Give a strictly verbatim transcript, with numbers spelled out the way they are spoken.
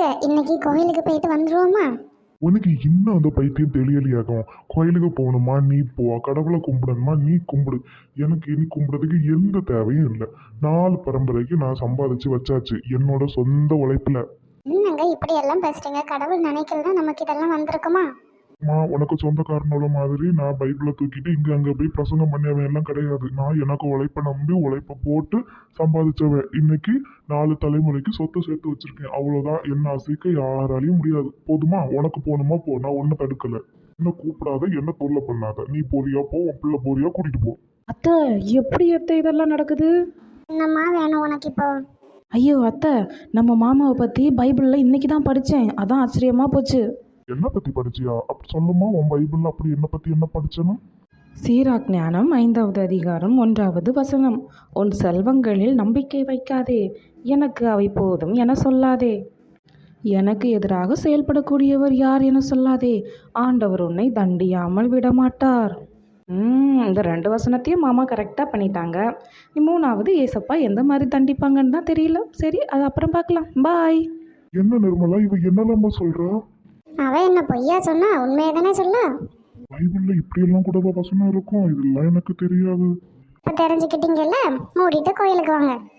இன்னைக்கு கோயிலுக்கு போயிட்டு வந்துருவோமா? உனக்கு இன்னும் அந்த பைத்தியம் தெளியலியாகும். கோயிலுக்கு போகணுமா நீ போ, கடவுளை கும்பிடணுமா நீ கும்பிடு. எனக்கு இனி கும்பிடுறதுக்கு எந்த தேவையும் இல்லை. நாலு பரம்பரைக்கு நான் சம்பாதிச்சு வச்சாச்சு என்னோட சொந்த உழைப்புல. என்னங்க இப்படி எல்லாம் பேசுறீங்க? கடவுள் நினைக்கலன்னா நமக்கு இதெல்லாம் வந்திருக்குமா? மா உனக்கு சொந்தக்காரனோட மாதிரி நான் பைபிளை தூக்கிட்டு இங்க அங்க போய் பிரசங்கம் பண்ணியவன் எல்லாம் கிடையாது. நான் எனக்கு உழைப்பை நம்பி உழைப்பை போட்டு சம்பாதிச்சவன். இன்னைக்கு நாலு தலைமுறைக்கு சொத்து சேர்த்து வச்சிருக்கேன். அவ்வளவுதான். என்ன அசைக்க யாராலையும் முடியாது. போதுமா? உனக்கு போகணுமா போ, நான் ஒன்னும் தடுக்கல. என்ன கூப்பிடாத, என்ன தொல்லை பண்ணாத. நீ போறியா போ, உன் பிள்ளை போறியா கூட்டிட்டு போ. அத்தை, எப்படி அத்தை இதெல்லாம் நடக்குது? என்னம்மா வேணும் உனக்கு இப்போ? ஐயோ அத்தை, நம்ம மாமாவை பற்றி பைபிளில் இன்னைக்கு தான் படித்தேன். அதான் ஆச்சரியமாக போச்சு. என்ன பத்தி படிச்சியா? அப்படி சொல்லுமா, உன் பைபிள்ல அப்படி என்ன பத்தி என்ன படிச்சனா? சீராக் ஞானம் ஐந்தாவது அதிகாரம் ஒன்றாவது வசனம். உன் செல்வங்களில் நம்பிக்கை வைக்காதே, எனக்கு அவை போதும் என சொல்லாதே. எனக்கு எதிராக செயல்படக்கூடியவர் யார் என சொல்லாதே, ஆண்டவர் உன்னை தண்டியாமல் விடமாட்டார். ம் இந்த ரெண்டு வசனத்தையும் மாமா கரெக்டாக பண்ணிட்டாங்க. மூணாவது ஏசப்பா எந்த மாதிரி தண்டிப்பாங்கன்னு தான் தெரியல. சரி, அது அப்புறம் பார்க்கலாம். பாய். என்ன நிர்மலா, இவ என்னலாமா சொல்றா? அவ என்ன பொய்யா சொன்னா? உண்மையை தானே சொல்ல. பைபிள்ல இப்படி எல்லாம் கூட வசனம் இருக்கும், இதெல்லாம் எனக்கு தெரியாது. இப்போ தெரிஞ்சுக்கிட்டீங்கல்ல, மூடிட்டு கோயிலுக்கு வாங்க.